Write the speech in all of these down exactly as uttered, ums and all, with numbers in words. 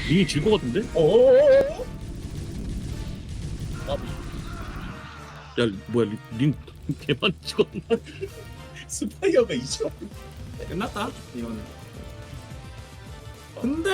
링이 질 것 같은데? 어어어어? 야 뭐야 링, 링 개만 찍었나? 스파이어가 이죠. 끝났다 이거는. 근데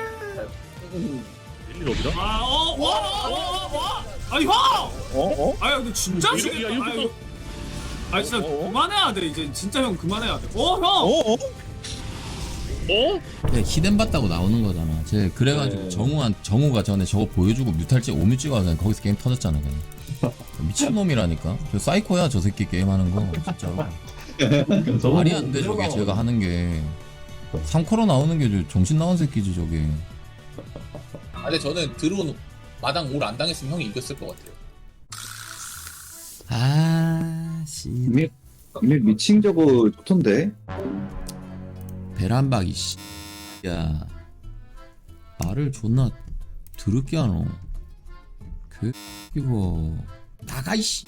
일일 없이다? 아어와와와 아니 형! 어? 어? 아니 근데 진짜 이거- 지금 야, 이거 아니, 아니 진짜 어, 어? 그만해야 돼 이제 진짜 형 그만해야 돼. 어 형! 어? 어? 어? 네, 히든 봤다고 나오는 거잖아. 제 그래가지고 네. 정우한 정우가 전에 저거 보여주고 뮤탈지 오뮤 찍어서 거기서 게임 터졌잖아. 그냥 미친 놈이라니까. 저 사이코야 저 새끼 게임하는 거 진짜로. 말이 안 돼 저게 제가 하는 게. 삼 코로 나오는 게 저 정신 나온 새끼지 저게. 아, 근데 저는 드론 마당 올 안 당했으면 형이 이겼을 것 같아요. 아 씨. 이미 이미 미친 저거 좋던데. 베란박이 씨. 야 말을 존나 더럽게 하노. 그 이거 나가 이씨.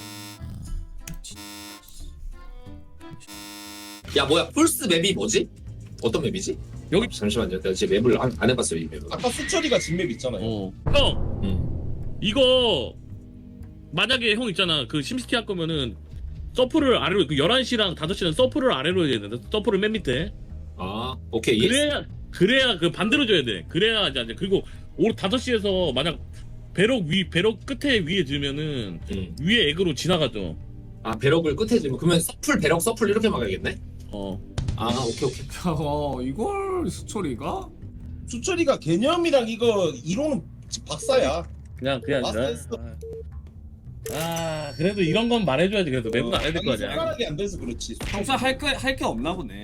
야 뭐야 풀스 맵이 뭐지? 어떤 맵이지? 여기- 잠시만요 내가 지금 맵을 안, 안 해봤어요 이 맵을. 아까 수철이가 진맵 있잖아요. 어. 형! 음. 이거 만약에 형 있잖아 그 심시티 할 거면은 서프를 아래로 그 열한 시랑 다섯 시는 서프를 아래로 해야 되는데 서프를 맨 밑에 아 오케이 이해했어. 그래야 그래야 그 반대로 줘야 돼 그래야 이제 이제 그리고 오 다섯 시에서 만약 배럭 위 배럭 끝에 위에 들면은 음. 위에 액으로 지나가죠 아 배럭을 끝에 지면 그러면 서플 배럭 서플 이렇게 막아야겠네? 어 아 오케이 오케이. 어 이걸 수철이가? 수철이가 개념이랑 이거 이론은 박사야. 그냥 그냥 아니라 마스터 아, 아 그래도 이런 건 말해줘야지 그래도 맵은 안 해야 될 거 아니, 아니야 손가락이 안 돼서 그렇지. 평소에 할게 할 게 없나 보네.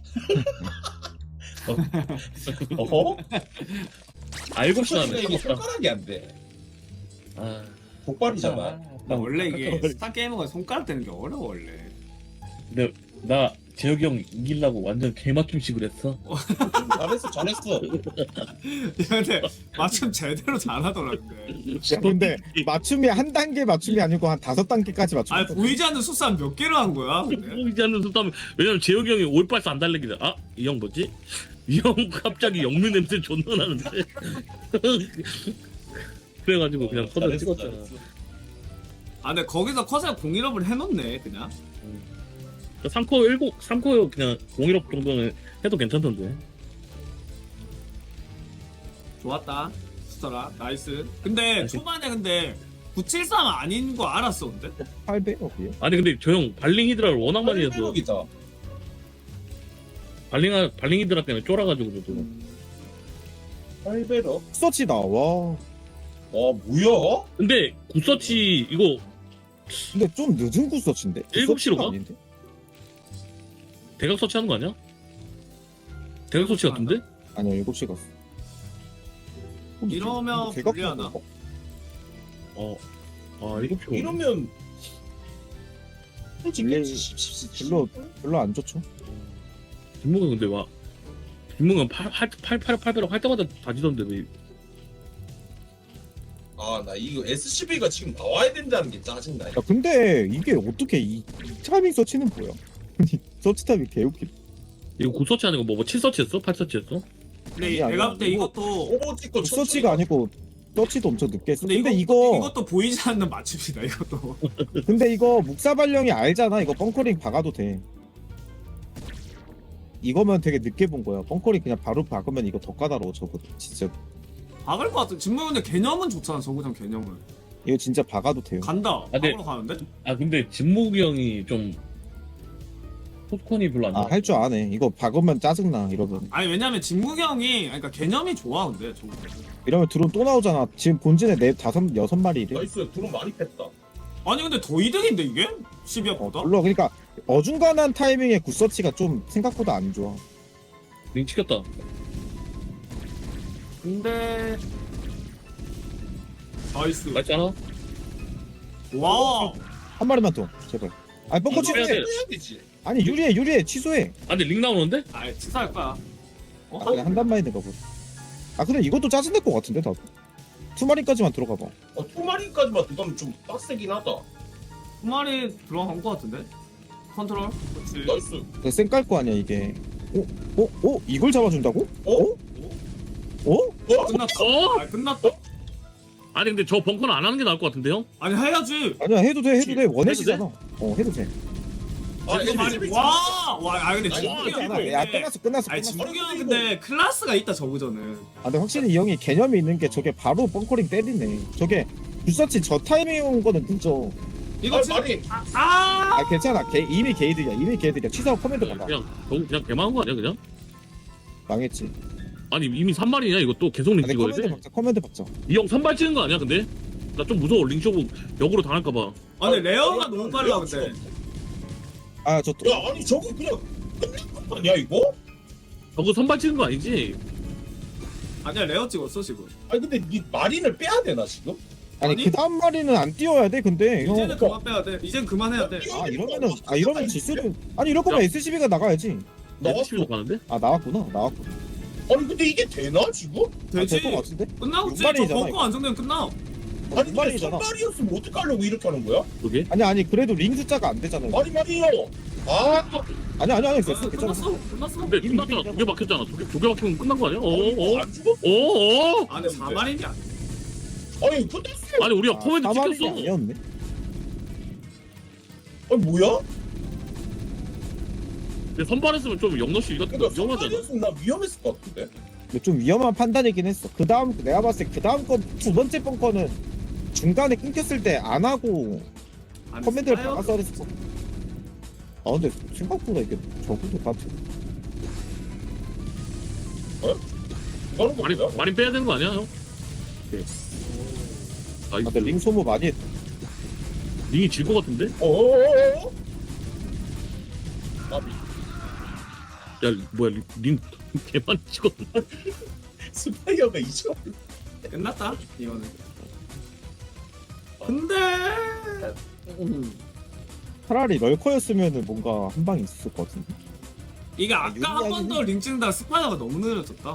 어허? 알고 수철이가 싶나네 이게 손가락이 안 돼. 아 복발이잖아. 나 원래 이게 스타 게이머가 손가락 되는 게 어려워 원래. 근데 나 재혁이 형 이기려고 완전 개맞춤식을 했어 잘했어, 잘했어. 근데 맞춤 제대로 잘하더라 근데. 야, 근데 맞춤이 한 단계 맞춤이 아니고 한 다섯 단계까지 맞춤. 아니 보이지 않는 수산 몇 개를 한 거야 근데? 보이지 않는 속담 왜냐면 재혁이 형이 올빨스 안 달래기다 아? 이 형 뭐지? 이 형 갑자기 영미 냄새 존나 나는데 그래가지고 그냥 커드 잘했어, 찍었잖아 잘했어. 아 근데 거기서 컷에 공일업을 해놓네 그냥. 삼 코 일곱 삼 코 그냥 공일업 정도는 해도 괜찮던데 좋았다 수철아 나이스. 근데 나이스. 초반에 근데 구칠삼 아닌 거 알았어 근데? 팔 배럭이요? 아니 근데 저 형 발링 히드라를 워낙 많이 해서 팔백억이다. 발링 발링 히드라 때문에 쫄아가지고 저도 팔백억? 서치다. 와. 와, 뭐야? 근데 굿서치 이거 근데 좀 늦은 구서치인데. 일곱 시로 가? 아닌데? 대각 서치하는 거 아니야? 대각 서치 같은데? 아니요 일곱 시 갔어. 이러면 개각 불리하나? 보고. 어. 아 일곱 시 이러면 불리- 별로 별로 안 좋죠. 김문근 근데 와 김문근 팔팔팔팔배로 할 때마다 다지던데 왜 아, 나 이거 에스씨브이가 지금 나와야 된다는 게 짜증나. 야 근데 이게 어떻게 이, 이 타이밍 서치는 뭐야? 서치 타이밍 개웃기. 이거 굿서치 아니고 뭐, 뭐 칠 서치했어? 팔 서치했어? 근데 아니야, 내가 아니야. 볼 때 이거- 이것도 오버워치 거 서치가 아니고 서치도 엄청 늦게 했어. 근데, 근데, 이거, 이거 이것도 보이지 않는 맞춤이다 이것도. 근데 이거 묵사발령이 알잖아. 이거 벙커링 박아도 돼. 이거면 되게 늦게 본 거야. 벙커링 그냥 바로 박으면 이거 더 까다로워 저거. 진짜 박을 것 같아. 진모 근데 개념은 좋잖아 저구장 개념은. 이거 진짜 박아도 돼요. 간다. 네. 박으러 가는데? 아 근데 진목이 형이 좀 포스콘이 별로 안 아 좋아 할 줄 아네. 이거 박으면 짜증나 이러면. 아니 왜냐면 진무기 형이 그러니까 개념이 좋아 근데 저거. 이러면 드론 또 나오잖아. 지금 본진에 네 다섯 여섯 마리 이래. 나이스, 드론 많이 뺐다. 아니 근데 더 이득인데 이게? 어, 십이억보다? 별로 그러니까 어중간한 타이밍에 굿서치가 좀 생각보다 안 좋아. 링 치켰다 근데 나이스. 맞잖아? 와. 한 마리만 더 제발. 아니 벙커 이거 해야 취소해. 돼. 해야 되지. 아니 유리해 유리해 취소해. 아 근데 링 나오는데? 아 치사할 거야. 어? 아니 한단 마인드가 보다. 아 근데 이것도 짜증낼 것 같은데 나도. 투마리까지만 들어가 봐. 어, 투마리까지만 들어가면 좀 빡세긴 하다. 두 마리 들어간 거 같은데? 컨트롤? 그렇지. 나이스. 쌩깔 거 아니야 이게. 어? 어? 어? 이걸 잡아준다고? 어? 어? 끝났다. 어? 아 끝났다. 아니 근데 저 벙커는 안 하는 게 나을 것 같은데요? 아니 해야지. 아니야 해도 돼 해도 돼 원해지잖아. 어 해도 돼. 아, 이거 많이 에스씨비 와, 와, 아 근데 아니, 진국이 끝났어. 형. 야 끝났어 끝났어 아니 끝났어. 진국이 형 근데 클라스가 있다 저그전은. 아 근데 확실히 이 형이 개념이 있는 게 저게 바로 벙커링 때리네. 저게 불사치 저 타이밍 온 거는 늦어. 이거 아, 지금 말이 아, 아! 아 괜찮아. 개, 이미 게이드야. 이미 게이드야. 취사하고 커맨드 받아. 그냥 저 그냥 개망한 거 아니야 그냥? 망했지. 아니 이미 삼 발이냐 이거 또 계속 링 아니 찍어야 커맨드 돼? 박자. 커맨드 박자. 이 형 삼 발 찍은 거 아니야 근데? 나 좀 무서워 링 쇼고 역으로 당할까봐. 아니 레어가 너무 빨라 근데. 아저 야 아니 저거 그냥 끝난 거 아니야 이거? 저거 선발 찍은 거 아니지? 아니야 레어 찍었어 지금. 아니 근데 이 마린을 빼야 되나 지금? 아니, 아니? 그 다음 마리는 안 띄워야 돼. 근데 형. 이제는 그만 빼야 돼. 이젠 그만해야 돼. 아 이러면은 아 이러면 질수도. 아니 이럴 거면 에스씨비가 나가야지. 나왔어. 에스씨비로 가는데? 아 나왔구나. 나왔고. 아니 근데 이게 되나 지금? 아, 되지. 될거 같은데? 끝나고 지 육발이잖아, 저 이거. 벙커 안정되면 끝나. 아니 근데 말이잖아. 선발이었으면 어떡하려고 이렇게 하는 거야? 그게? 아니 아니 그래도 링 숫자가 안 되잖아요. 아니 말이요. 아 아니 아니 아니 아, 됐어 괜찮아. 끝났어. 끝났어. 근데 이미 끝났잖아. 이미 두 개 박혔잖아. 두 개, 두 개 박히면 끝난 거 아니야? 어? 어어? 안 죽어? 어어? 아 근데 사 발인이 아니야. 아니 끝났어. 아니 우리가 코멘트 사마리가 찍혔어. 아니었네. 아니 뭐야? 근데 선발했으면 좀 영너씨 이거 그러니까 위험하잖아. 선발이었으면 나 위험했을 것 같은데. 근데 좀 위험한 판단이긴 했어. 그 다음 내가 봤을 때 그 다음 거 두 번째 벙커는 중간에 끊겼을 때 안 하고 아니, 커맨드를 사요? 박아서 했어. 아 근데 생각보다 이게 적어도 같아. 이거는 거 마린 뭐야? 마린 빼야 되는 거 아니야 형? 네. 아 아 이거 근데 링 소모 많이 했. 링이 질 것 같은데? 어어어어. 아 야 뭐야 링, 링 개만 찍었. 스파이어가 이죠. 끝났다 이거는. 근데 음. 차라리 럴커였으면은 뭔가 한 방이 있을 것 같은데. 이게 아까 한 번 유리하긴 더 링 찍는다 스파이더가 너무 느려졌다.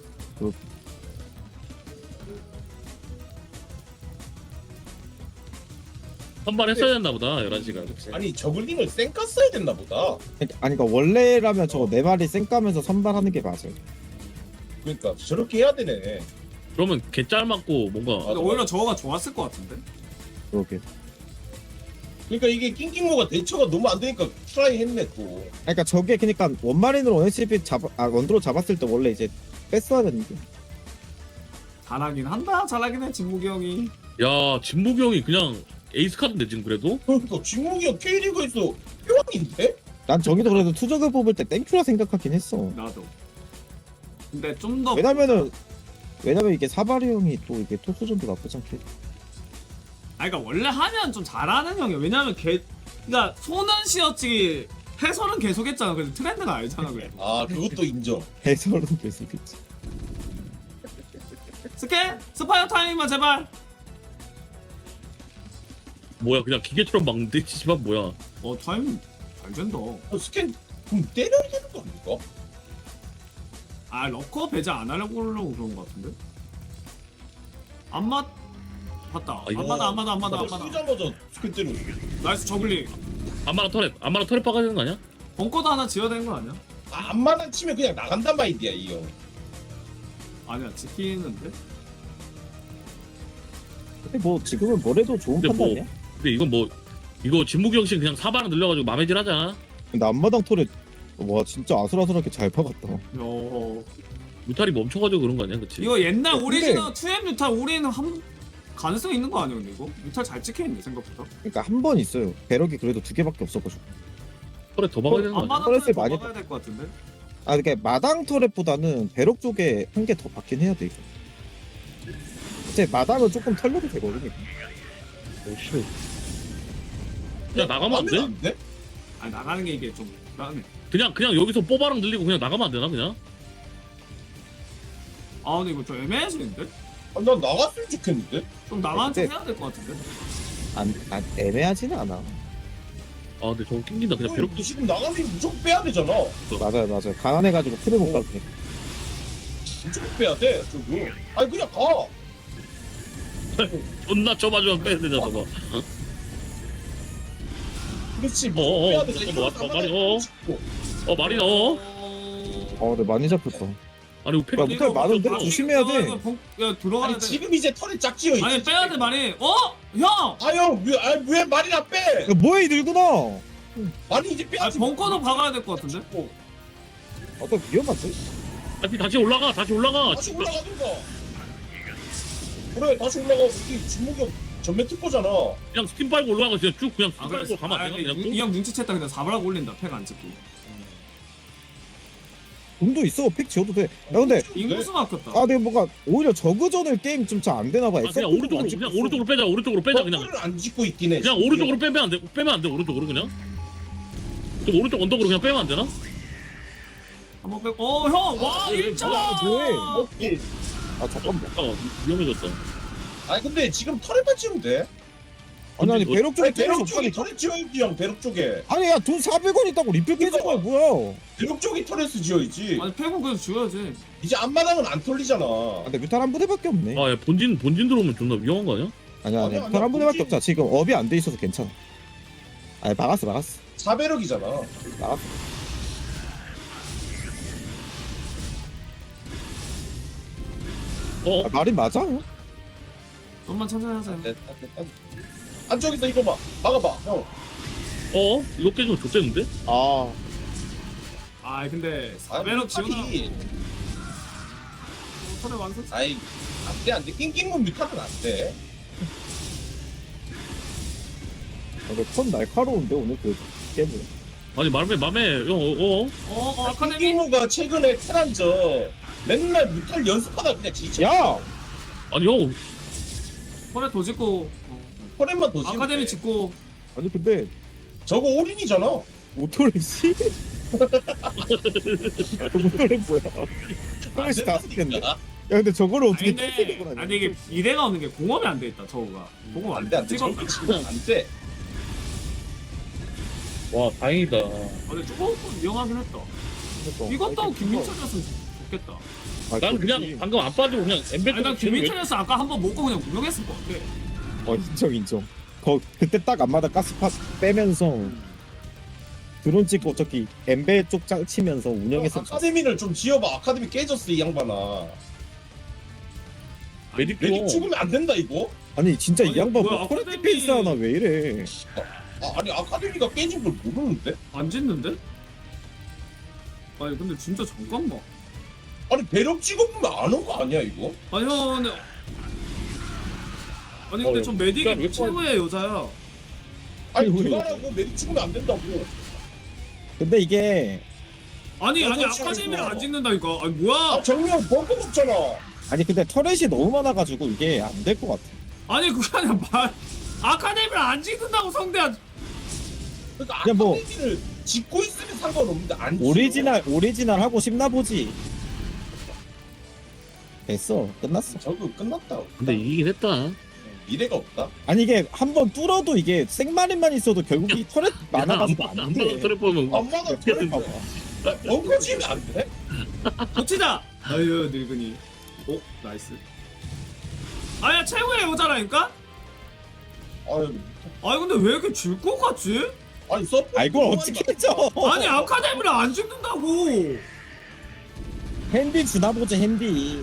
선발했어야 됐나 보다 열한 시간. 그치? 아니 저글링을 쌩까 써야 됐나 보다. 그러니까- 아니 그러니까 원래라면 저거 네 마리 쌩까면서 선발하는 게 맞아요. 그러니까 저렇게 해야 되네. 그러면 개 짤맞고 뭔가 근데 오히려 저거가 좋았을 것 같은데. 그러게. 그러니까 이게 낑낑모가 대처가 너무 안 되니까 트라이 했네 또. 그러니까 저게 그러니까 원마린으로 원에스씨피 잡아 아 원드로 잡았을 때 원래 이제 뺐어야 되는데. 잘하긴 한다. 잘하긴 해 진국이 형이. 야 진무기 형이 그냥 에이스 카드인데 지금 그래도? 그러니까 진국이가 K리그에서 표왕인데? 난 저기도 그래도 투적을 뽑을 때 땡큐라 생각하긴 했어. 나도. 근데 좀 더. 왜냐면은 왜냐면 이게 사바리 형이 또 이게 토스전도 나쁘지 않게. 아니 그러니까 원래 하면 좀 잘하는 형이야. 왜냐면 걔, 그러니까 손은 쉬었지 해설은 계속했잖아. 그래서 트렌드가 알잖아 그래. 아 그것도 인정. 해설은 계속 있지. 스캔 스파이어 타임만 제발. 뭐야 그냥 기계처럼 막는데 지지만 뭐야? 어 타임 잘 된다. 어, 스캔 그럼 때려야 되는 거 아닙니까? 아 러커 배제 안 하려고 그러려고 그런 것 같은데. 안 맞. 봤다. 아, 이거- 안 맞아 안 맞아 안 맞아 안 맞아. 쓰자마자 스캔 때려. 나이스 저글링. 안마랑 터렛 안마랑 터렛 박아야 되는 거 아니야? 벙커도 하나 지어야 되는 거 아니야? 아, 안마당 치면 그냥 나간단 마인드야 이 형. 아니야 지키는데. 근데 뭐 지금은 뭐래도 좋은 근데 뭐- 판단이야. 근데 이건 뭐 이거 진무기 형식 그냥 사바랑 늘려가지고 맘에질 하자. 근데 앞마당 털에 와 진짜 아슬아슬하게 잘 박았다. 어. 무탈이 멈춰가지고 그런 거 아니야, 그치? 이거 옛날 근데- 오리지널 투엠 뉴탈 우리는 한 가능성 있는 거 아니야 근데 이거? 뉴탈 잘 찍혀 있네 생각보다. 그러니까 한 번 있어요. 배럭이 그래도 두 개밖에 없어가지고. 터렛 더 박아야 되는 거 아니야? 안마당 떨어질 더 많이 막아야 될 것 같은데. 아 그러니까 마당 터렛보다는 배럭 쪽에 한 개 더 박긴 해야 돼 이거. 이제 마당은 조금 털려도 되거든. 이거. 야 나가면 안 돼? 안 돼? 아니 나가는 게 이게 좀 나네. 그냥 그냥 여기서 뽀바랑 늘리고 그냥 나가면 안 되나 그냥? 아 근데 이거 좀 애매해지는데? 아, 난 나갔으면 좋겠는데? 좀 나가는 척 근데- 해야 될 것 같은데? 안, 안 애매하지는 않아. 아 근데 저거 낑긴다 그냥 형, 벼룩도 지금 나가면 무조건 빼야 되잖아. 맞아요 맞아요. 가난해가지고 틀을 못 가게. 무조건 빼야 돼. 저거. 아니 그냥 가. 존나 좁아주면 빼야 되잖아 저거. 그렇지. 어, 어, 빼야 어, 되잖아. 어, 왔다, 말이, 어. 어 마린 어? 어 근데 많이 잡혔다. 아니 팩 야, 무탈 많은데? 어, 조심해야 돼. 야, 이거 벙- 야 들어가야 아니 돼. 지금 이제 털에 짝지어 있지. 아니 빼야 돼 많이. 어? 형! 아형왜 말이나 빼? 야, 뭐야 이 늙은아. 말이 이제 아 빼야지. 벙커도 박아야 될 것 같은데? 어, 아까 위험한데? 다시 다시 올라가 다시 올라가 다시 올라가든가. 그래 다시 올라가. 우리 진무경 전면 특보잖아. 그냥 스팀 빨고 올라가 그냥 쭉 그냥 아 스팀 그래. 빨고 가면 안 되나 그냥 이형 눈치챘다 그냥 사바라고 올린다. 팩 안 찍고. 돈도 있어. 팩 지어도 돼. 야 근데 인구수 막혔다. 아 내가 뭔가 오히려 저그전을 게임 좀 잘 안 되나 봐. 아, 그냥 오른쪽으로 그냥 오른쪽으로 빼자 오른쪽으로 빼자 그냥 털을 안 짓고 있긴 해. 그냥 오른쪽으로 빼면 안 돼 빼면 안 돼 오른쪽으로 그냥 좀 오른쪽 언덕으로 그냥 빼면 안 되나? 한번 빼고. 어 형! 와 일 점! 뭐해? 오케이. 아 잠깐만. 아 위험해졌다 아니 근데 지금 털에만 지으면 돼. 아니 아니 어디- 배럭 쪽에 아니 때릴 수 배럭 쪽이 없다니까. 털에 지어야지 형. 배럭 쪽에. 아니 야돈 사백 원 있다고 리필 깨진 거야 뭐야? 배럭 쪽이 털에서 지어야지. 아니 팩은 그래서 지워야지. 이제 앞마당은 안 털리잖아. 아, 근데 뮤탈 한 부대밖에 없네. 아야 본진 본진 들어오면 존나 위험한 거 아니야? 아니야 아니야, 아니야. 뮤탈 한 부대밖에 굳이- 없잖아. 지금 업이 안 돼 있어서 괜찮아. 아니 막았어 막았어. 사배럭이잖아. 막았어. 어? 아, 말이 맞아? 좀만 천천히 하자. 됐다 됐다. 안쪽에서 이거 봐. 막아봐 형. 어? 이거 깨지면 좋겠는데? 아 아 근데 아이, 사베럭 지우나. 아니, 털에 완성. 아이 안돼 안돼. 낑낑문 뮤탈은 안돼. 근데 턴 날카로운데 오늘 그 게임은. 아니 맘에 맘에 형 어? 어? 어, 어 아카데미. 낑낑무가 최근에 테란저 맨날 뮤탈 연습하다 그냥 지쳐. 야! 아니 형 털에 도 짓고. 어. 털에만 더 지우면 아카데미 돼. 짓고. 아니 근데 저거 올인이잖아. 모토레 씨? 모토레 뭐야? 토레 씨 다섯 개인데. 야 근데 저거를 아니 어떻게 근데 땡기고 다녀? 아니 이게 미래가 없는 게 공업이 안 돼 있다 저거가. 공업 안 안돼 돼. 안돼. 찍어. 저거 지금 안돼. 와 다행이다 아 근데 조금 위험하긴 했다. 이것도 김민철이었으면 좋겠다. 아, 난 그냥 그렇지. 방금 안 빠지고 그냥 엠베 아니 난 김민철이었어 아까 한번 먹고 그냥 구경했을 것 같아. 어 인정 인정. 거 그때 딱 앞마다 가스파 빼면서 드론 찍고 저기 엠베 쪽 짱 치면서 운영했었. 아카데미를 좀 지어봐. 아카데미 깨졌어 이 양반아. 메딕 메딕 줘 죽으면 안 된다 이거. 아니 진짜 이 아니, 양반 뭐야, 뭐 코레트 아카데미- 페이스 하나 왜 이래? 아, 아니 아카데미가 깨진 걸 모르는데? 안 짓는데? 아니 근데 진짜 잠깐만. 아니 배럭 찍어보면 아는 거 아니야 이거? 아니 형 근데 아니 근데 어, 전 그러니까 왜 메딕이 최고의 여자야. 아니 아니, 그만하고 메딕 찍으면 안 된다고. 근데 이게 아니 아니 여자 아카데미를 친구가. 안 짓는다니까. 아니 뭐야? 아 정면 벙커 없잖아. 아니 근데 터렛이 너무 많아가지고 이게 안 될 것 같아. 아니 그게 아니라 말 아카데미를 안 짓는다고 성대한. 그러니까 그냥 뭐- 아카데미를 짓고 있으면 상관없는데 안 짓어. 오리지널 오리지널 하고 싶나 보지. 됐어 끝났어. 저거 끝났다. 근데 이기긴 했다 미래가 없다. 아니 이게 한 번 뚫어도 이게 생마린만 있어도 결국 이 터렛 많아가지고 안 안 받아 돼. 트랩 보면 엄마가 어떻게 털을 된 봐봐. 벙커 지으면 안 돼? 고치자. 아유 늙은이. 오 나이스. 아야 최고의 여자라니까? 아유, 아니 근데 왜 이렇게 질 것 같지? 아니 서포. 아 이걸 어떻게 해줘? 아니 아카데미를 안 짓는다고. 핸디 주나 보지 핸디.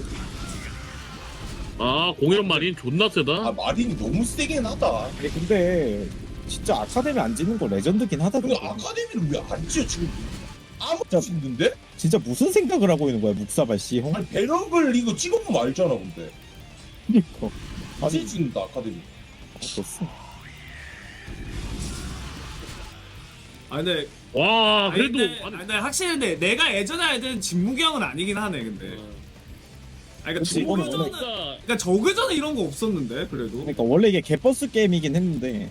아 공이란 말이 존나 세다 아 마린이 너무 세긴 하다. 아니 근데 진짜 아카데미 안 짓는 거 레전드긴 하다. 근데 그거. 아카데미를 왜 안 지어 지금? 아무도 짓는데? 진짜 무슨 생각을 하고 있는 거야 묵사발 씨 형? 아니 배럭을 이거 찍어보면 알잖아 근데. 그니까. 다시 아니 짓는다 아카데미. 어떻어? 아 근데 와 아니, 그래도 근데, 아니, 아니, 근데 확실히 근데 내가 예전에 알던 진무경은 아니긴 하네 근데. 아니 그러니까 그치, 이거는 저그전은 진짜 그러니까 저그전은 이런 거 없었는데 그래도. 그러니까 원래 이게 개버스 게임이긴 했는데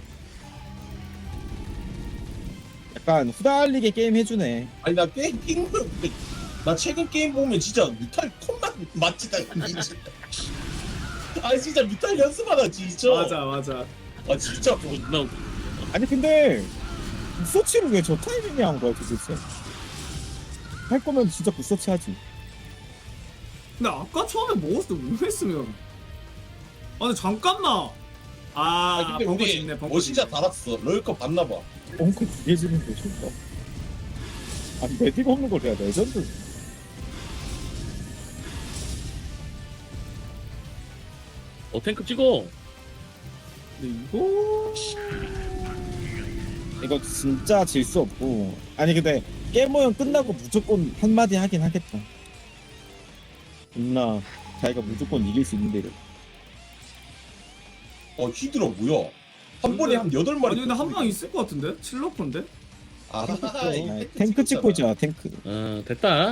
약간 후달리게 게임 해주네. 아니 나 게임 게임 나 최근 게임 보면 진짜 뮤탈 톤만 맞지다. 아 진짜 뮤탈 연습하다 진짜. 맞아 맞아. 아 진짜. 존나 아니 근데 구서치를 왜 저 타이밍에 한 거야 도대체? 할 거면 진짜 구서치 하지. 근데 아까 처음에 먹었을 때 왜 했으면. 아니 잠깐만. 아, 아 근데 벙커 우리 짓네 벙커 뭐 진짜 짓네. 달았어. 럴컵 봤나 봐. 엉크 두개 지는데 좋다. 아니 메딕 없는 걸 해야 레전드. 어 탱크 찍어. 근데 이거 이거 진짜 질 수 없고. 아니 근데 게임 모형 끝나고 무조건 한마디 하긴 하겠다. 있나 자기가 무조건 이길 수 있는데. 어 히드라 뭐야? 한 번에 한 여덟 마리. 아니 근데 한 방 있을 것 같은데? 칠러콘데? 아, 아, 탱크 찍고 있잖아 탱크. 어 됐다.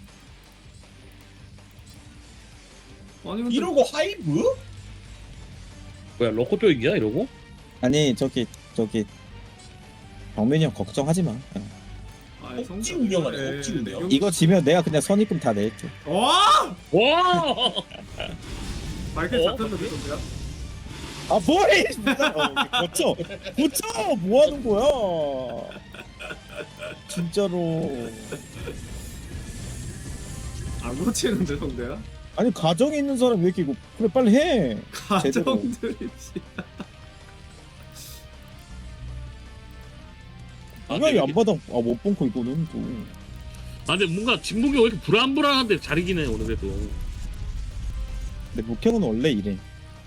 아니 근데 이러고 하이브? 뭐야 로코 뼈이기야 이러고? 아니 저기 저기 정민이 형 걱정하지 마. 아니, 억지 성격- 운영하네, 예, 억지 운영. 여기- 이거 지면 내가 그냥 선입금 다 낼게. 와! 와. 마이클 어? 잡혔는데 성대야? 아 뭐해? 진짜. 어, 고쳐 고쳐 뭐 하는 거야? 진짜로. 안 고치는데 성대야? 아니 가정에 있는 사람 왜 이렇게 이거 그래 빨리 해. 제대로. 가정들이 씨. 분명히 안 받아. 아못 본거 이거는 또. 아 근데 뭔가 진국이 왜 이렇게 불안불안한데 잘 이기네 오늘 그래도. 근데 목형은 원래 이래.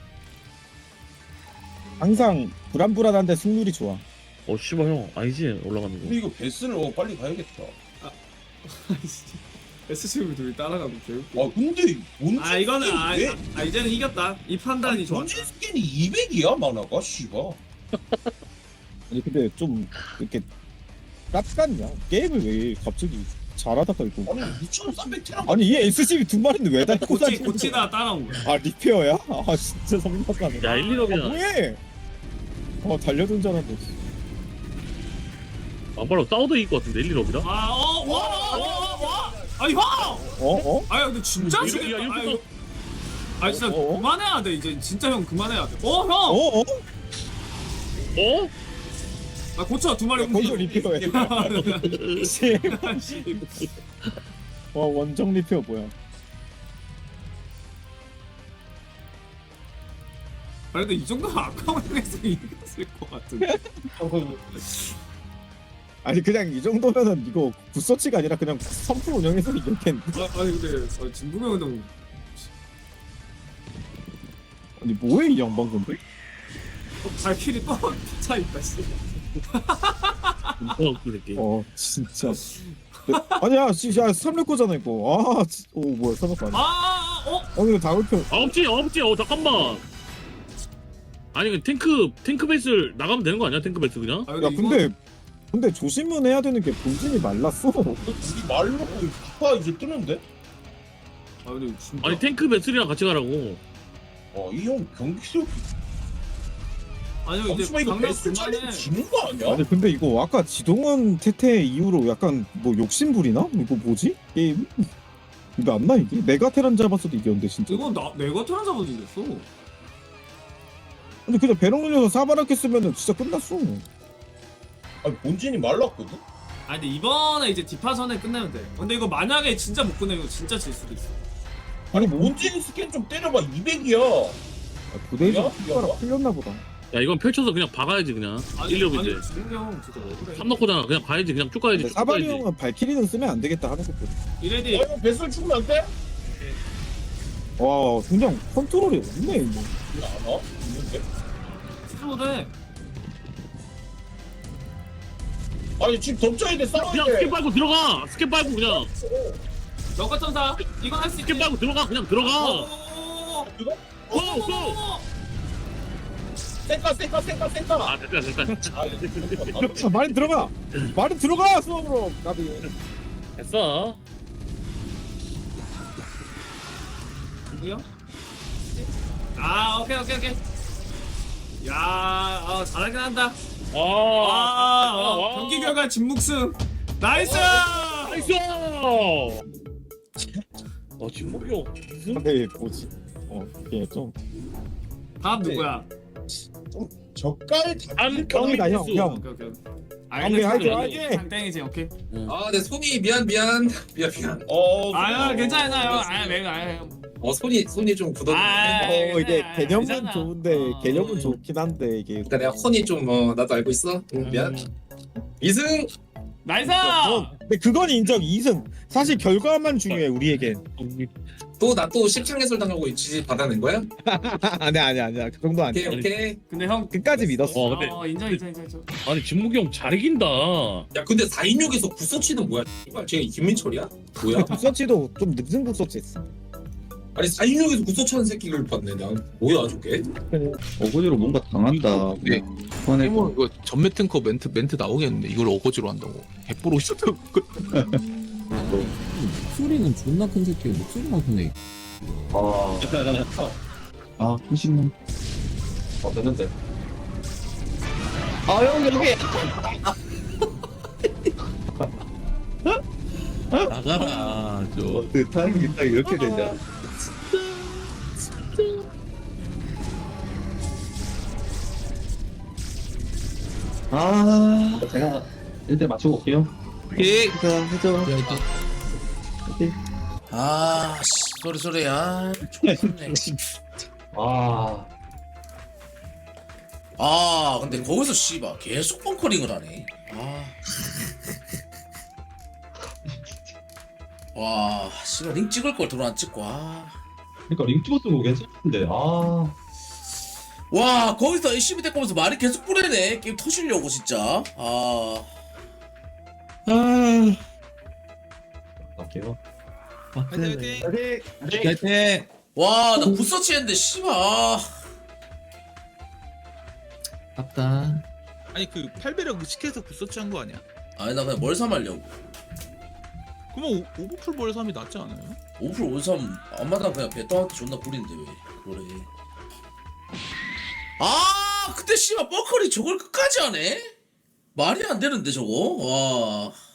항상 불안불안한데 승률이 좋아. 어 씨발 형 아니지 올라가는 거. 근데 이거 베스를 어, 빨리 가야겠다. 아이씨. 에스씨브이 둘이 따라가고 개웃겨. 아 근데 뭔지 아 이거는 아, 왜? 아, 아 이제는 이겼다. 이 판단이 좋아. 뭔지 스캔이 이백이야 만화가 씨가. 아니 근데 좀 이렇게 깝깝냐? 게임을 왜 갑자기 잘하다가 이거. 아니 이천삼백 테라. 아니 이 에스씨비 두 마리인데 왜 다 고치 꽂아지는 거야? 고치다 따라온 거야. 아 리페어야? 아 진짜 성격하네. 야 일, 아 일업이잖아. 뭐해? 어 달려든 줄 알았는데. 안바로 싸워도 이길 것 같은데 일, 일업이라. 아어와와와 아니 형! 어 어? 아니 근데 진짜 이렇게- 지겠다. 야, 이렇게 아니, 아니 진짜 어? 그만해야 돼 이제 진짜 형 그만해야 돼. 어 형! 어 어? 어? 아 고쳐 두 마리 거기서 리페어해. 씨. 와 원정 리페어 뭐야? 아니 근데 이 정도면 아까운에서 이겼을 것 같은데. 아니 그냥 이 정도면은 이거 굿서치가 아니라 그냥 선풀 운영해서 이겼겠는데. 아, 아니 근데 아, 진국이 형은 너무 아니 뭐해 이 양반 근데? 발길이 또 차 있다 씨. 어 그렇게. 어 진짜. 아니야 진짜 삼육구잖아 이거. 아, 지- 오 뭐야 삼육구 아니야? 아 어? 어 이거 다울표. 아 없지 없지 어 잠깐만. 아니 그 탱크 탱크 베이스를 나가면 되는 거 아니야 탱크 베이스 그냥? 아, 야 이거- 근데 근데 조심은 해야 되는 게 본진이 말랐어. 우리 말로 피파 이제 뜨는데? 아 근데 진짜 아니 탱크 베이스랑 같이 가라고. 어이 형 경기력. 아니 이제 잠시만 이거 강남 베스 중간에 챌린지 지는 거 아니야? 아니 근데 이거 아까 지동원 태태 이후로 약간 뭐 욕심 부리나? 이거 뭐지? 게임? 이거 안 나 이게? 메가 테란 잡았어도 이겼는데 진짜. 이건 나 내가 테란 잡아도 이겼어. 근데 그냥 배럭 눌려서 사바라켓 쓰면은 진짜 끝났어. 아니 본진이 말랐거든? 아 근데 이번에 이제 디파전에 끝내면 돼. 근데 이거 만약에 진짜 못 끝내면 진짜 질 수도 있어. 아니 본진 스캔 좀 때려봐 이백이야. 부대에서 뭐야? 숟가락 풀렸나 보다. 야 이건 펼쳐서 그냥 박아야지 그냥. 아니 일, 일업인데. 아니 진국이 형 진짜 억울해. 삼 넣고잖아 그냥 봐야지 그냥 쭉 가야지. 근데 쭉 사바리 가야지. 형은 발키리는 쓰면 안 되겠다 하는 것도. 이레디 아 이거 베스를 죽으면 안 돼? 와 그냥 컨트롤이 없네 이거. 이거 안 와? 있는데? 스로데 아니 지금 덮쳐야 돼 싸워야 그냥 돼. 스킵 밟고 들어가. 스킵 밟고 그냥. 너가 천사 이건 할 수 있게. 스킵 밟고 들어가 그냥 들어가. 어, 이거? 고 고. 쌩까 쌩까 쌩까 쌩까. 아 됐다 됐다. 아, 이거 아, 말이 들어가. 말이 들어가 수업으로. 나비. 됐어. 누구야? 아 오케이 오케이 오케이. 야 아, 잘하긴 한다. 아, 아, 아, 어, 와. 경기 결과 진묵승. 나이스. 나이스. 어 진목이 형. 무슨? 근데 뭐지? 어 이게 좀. 다음 누구야? 젓갈 안 형이다 형 형. 오케이 오케이. 오케이, 화이팅, 화이팅! 땡이지 오케이. 아, 내 손이 미안 미안 미안 미안. 어. 아유 괜찮아요. 아유 내가 아유. 어 손이 손이 좀 굳었네. 아, 어 이게 아, 개념은 괜찮아. 좋은데 어. 개념은 좋긴 한데 이게. 그러니까 내가 혼이 좀 어, 나도 알고 있어. 응, 미안. 이승. 나이스. 어, 근데 그건 인정. 이승 사실 결과만 중요해 우리에겐. 또 나 또 십창 해설 당하고 지지 받아낸 거야? 아니야 아니야 아니야 그 정도 오케이 아니야. 오케이. 근데 형 끝까지 믿었어. 어 근데 어, 인정 인정 인정 인정. 아니 진묵이 형 잘 이긴다. 야 근데 사인육에서 구서치는 뭐야? 이발 쟤 김민철이야? 뭐야? 국서치도 좀 늦은 국서치 했어. 아니 사인육에서 구서치 하는 새끼를 봤네. 난 뭐야 저게? 어거지로 뭔가 당한다. 네. 뭐 이거 전매 탱커 멘트 멘트 나오겠는데 이걸 어거지로 한다고. 개뽀로 있었다고. 목소리는 존나 큰 새끼야. 목소리만 크네. 아 후식은 어 됐는데. 아형 여기 나가라 저. 그 타이밍이 딱 이렇게 되냐? 아 제가 일대 맞추고 올게요. 예. 해줘 해줘. 아, 씨, 소리 소리 아. 아. 아, 근데 거기서 씨발 계속 벙커링을 하네. 아. 와, 씨발 링 찍을 걸 들어 안 찍고. 아. 그러니까 링 찍었던 거 괜찮은데. 아. 와, 거기서 열심히 데리면서 말이 계속 뿌리네. 게임 터지려고 진짜. 아. 아. 갈게요. 화이팅. 화이팅. 와, 나 굿서치 했는데 씨발. 아깝다. 아니 그 팔배력 의식해서 굿서치 한 거 아니야? 아니 나 그냥 멀삼 하려고. 그러면 오- 오버풀 멀삼이 낫지 않아요? 오플 원삼 안마당 그냥 배떠한테 존나 뿌리는데 왜 그래. 아, 근데 씨발 뻐커리 저걸 끝까지 하네? 말이 안 되는데 저거. 와.